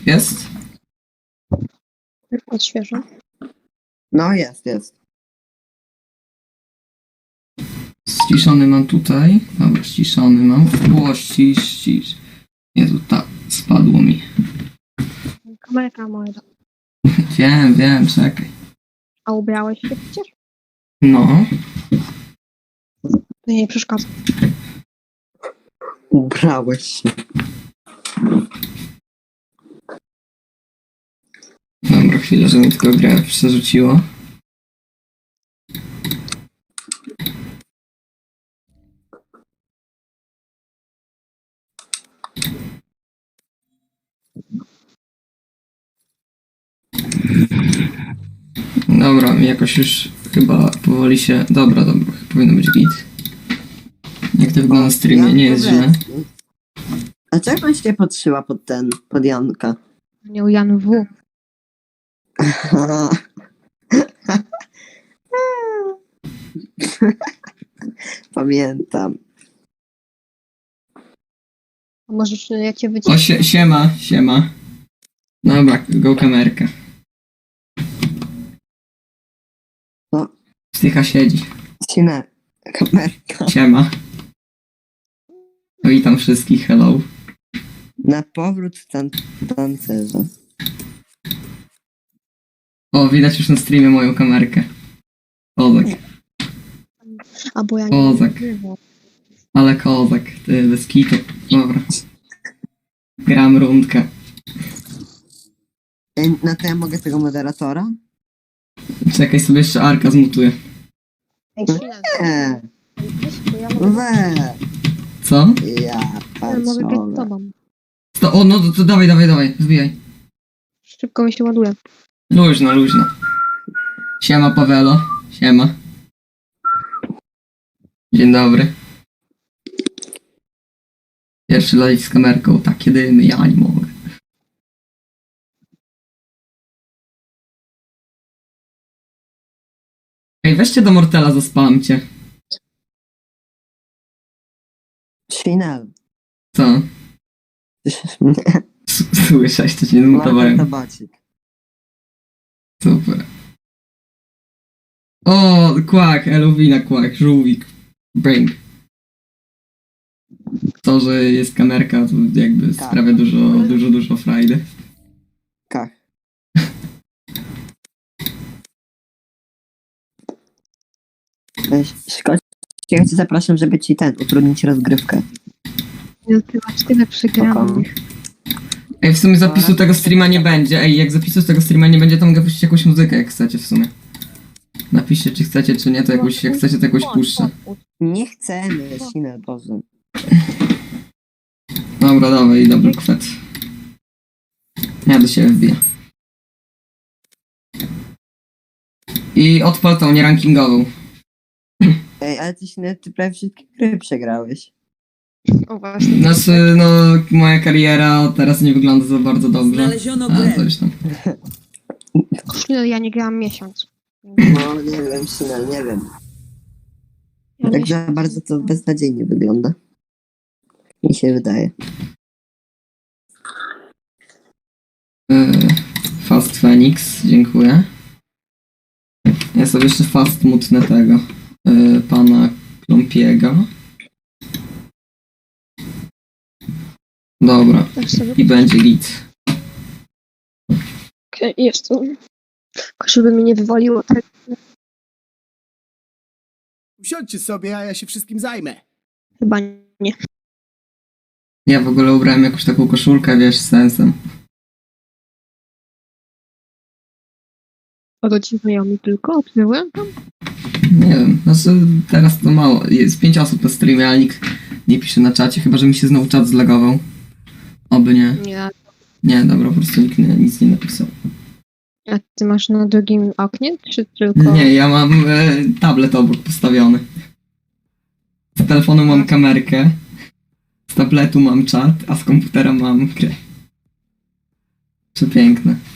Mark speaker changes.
Speaker 1: Jest?
Speaker 2: Odświeżę.
Speaker 3: No jest.
Speaker 1: Ściszony mam tutaj. Dobra, ściszony mam. O, ścisz. Jezu, tak, spadło mi.
Speaker 2: Kamerka moja.
Speaker 1: Wiem, czekaj.
Speaker 2: A ubrałeś się przecież?
Speaker 1: No.
Speaker 2: To nie przeszkadza.
Speaker 3: Ubrałeś się.
Speaker 1: Dobra, chwilę, że mi tylko grę przerzuciło. Dobra, jakoś już chyba powoli się... Dobra, powinno być git. Jak to wygląda na streamie, nie jest źle.
Speaker 3: A czego on się podszyła pod Janka?
Speaker 2: Nie u Jan W.
Speaker 3: Pamiętam.
Speaker 2: A możesz ja cię
Speaker 1: O,
Speaker 2: wyciszę?
Speaker 1: siema. Dobra, go kamerka.
Speaker 3: Co?
Speaker 1: Stycha siedzi.
Speaker 3: Sinę. Kamerka.
Speaker 1: Siema. Witam wszystkich, hello.
Speaker 3: Na powrót tancerza.
Speaker 1: O, widać już na streamie moją kamerkę. Kozak.
Speaker 2: A bo ja nie
Speaker 1: Kozak.
Speaker 2: wiem.
Speaker 1: Ale kozak, ty bez kitu. Dobra. Gram rundkę.
Speaker 3: No to ja mogę tego moderatora?
Speaker 1: Czekaj, sobie jeszcze Arka zmutuję.
Speaker 2: Ej, chwilę.
Speaker 3: Nie.
Speaker 2: Bo ja mogę,
Speaker 3: We.
Speaker 1: Co?
Speaker 3: Ja
Speaker 2: ja mogę grać z
Speaker 3: patrzę.
Speaker 2: tobą.
Speaker 1: O, no to dawaj, wbijaj.
Speaker 2: Szybko mi się ładuje.
Speaker 1: Luźno. Siema Pawelo. Siema. Dzień dobry. Pierwszy live z kamerką, takie dymy, ja nie mogę. Ej, weźcie do Mortela, zaspamcie.
Speaker 3: Sinel.
Speaker 1: Co?
Speaker 3: Nie.
Speaker 1: Słyszałeś, to cię
Speaker 3: Marta
Speaker 1: zmutowałem.
Speaker 3: Tabacik.
Speaker 1: Super. O, kłak, Elowina, kłak, żółwik, brain. To, że jest kamerka, to jakby
Speaker 3: Tak.
Speaker 1: sprawia dużo frajdy.
Speaker 3: Kach. Szkoda, ja cię zapraszam, żeby ci utrudnić rozgrywkę.
Speaker 2: Zbywać tyle przegranych.
Speaker 1: Ej, w sumie zapisu tego streama nie będzie. Ej, jak zapisu z tego streama nie będzie, to mogę puścić jakąś muzykę, jak chcecie w sumie. Napiszcie, czy chcecie, czy nie, to jakąś, jak chcecie, to jakąś puszczę.
Speaker 3: Nie chcemy, Sinel, Boże.
Speaker 1: Dobra, dawaj, dobry kwet. Ja do siebie wbiję. I odpal tą nierankingową.
Speaker 3: Ej, ale ty prawie wszystkie gry przegrałeś.
Speaker 2: O właśnie.
Speaker 1: Znaczy, no, moja kariera teraz nie wygląda za bardzo dobrze.
Speaker 4: Znaleziono
Speaker 1: Ale
Speaker 4: grę.
Speaker 1: coś tam.
Speaker 2: Chwilę, ja nie grałam miesiąc.
Speaker 3: No, nie wiem, Sinel, nie wiem.
Speaker 2: Ja
Speaker 3: Tak
Speaker 2: miesiąc-
Speaker 3: za bardzo to beznadziejnie wygląda. Mi się wydaje.
Speaker 1: Fast Phoenix, dziękuję. Ja sobie jeszcze fast mutnę tego. Pana Klompiego. Dobra,
Speaker 2: Tak sobie.
Speaker 1: i będzie git.
Speaker 2: Okej, jest tu. Tylko żeby mi nie wywaliło tak.
Speaker 4: Usiądźcie sobie, a ja się wszystkim zajmę.
Speaker 2: Chyba nie.
Speaker 1: Ja w ogóle ubrałem jakąś taką koszulkę, wiesz, z sensem.
Speaker 2: O to ci znajomi tylko obserwują tam?
Speaker 1: Nie wiem, znaczy teraz to mało. Jest 5 osób na streamie, ale nikt nie pisze na czacie, chyba że mi się znowu czat zlagował. Oby nie.
Speaker 2: Nie.
Speaker 1: Nie, dobra, po prostu nikt nic nie napisał.
Speaker 2: A ty masz na drugim oknie, czy tylko...
Speaker 1: Nie, ja mam tablet obok postawiony. Z telefonu mam kamerkę, z tabletu mam czat, a z komputera mam grę. Przepiękne.